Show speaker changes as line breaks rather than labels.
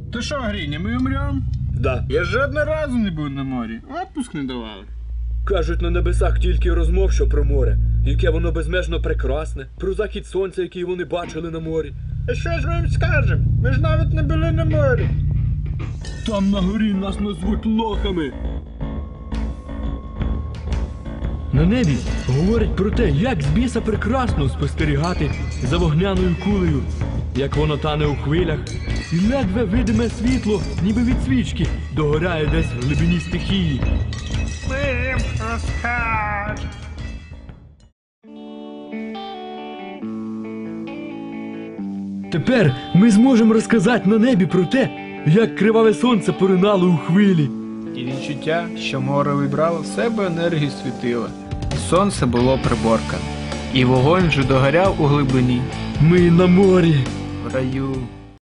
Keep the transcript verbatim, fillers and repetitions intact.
Ти що, Гриня, ми умрем?
Да.
Я жодного разу не був на морі. Отпуск не давали.
Кажуть, на небесах тільки розмов, що про море, яке воно безмежно прекрасне, про захід сонця, який вони бачили на морі.
А що ж ми їм скажемо? Ми ж навіть не були на морі.
Там на горі нас назвуть лохами. На небі говорять про те, як з біса прекрасно спостерігати за вогняною кулею, як воно тане у хвилях, і ледве видиме світло, ніби від свічки, догоряє десь в глибині стихії.
Ми їм розкажемо.
Тепер ми зможемо розказати на небі про те, як криваве сонце поринало у хвилі.
І відчуття, що море вибрало в себе енергію світила. І сонце було приборкане. І вогонь вже догоряв у глибині.
Ми на морі.
В раю.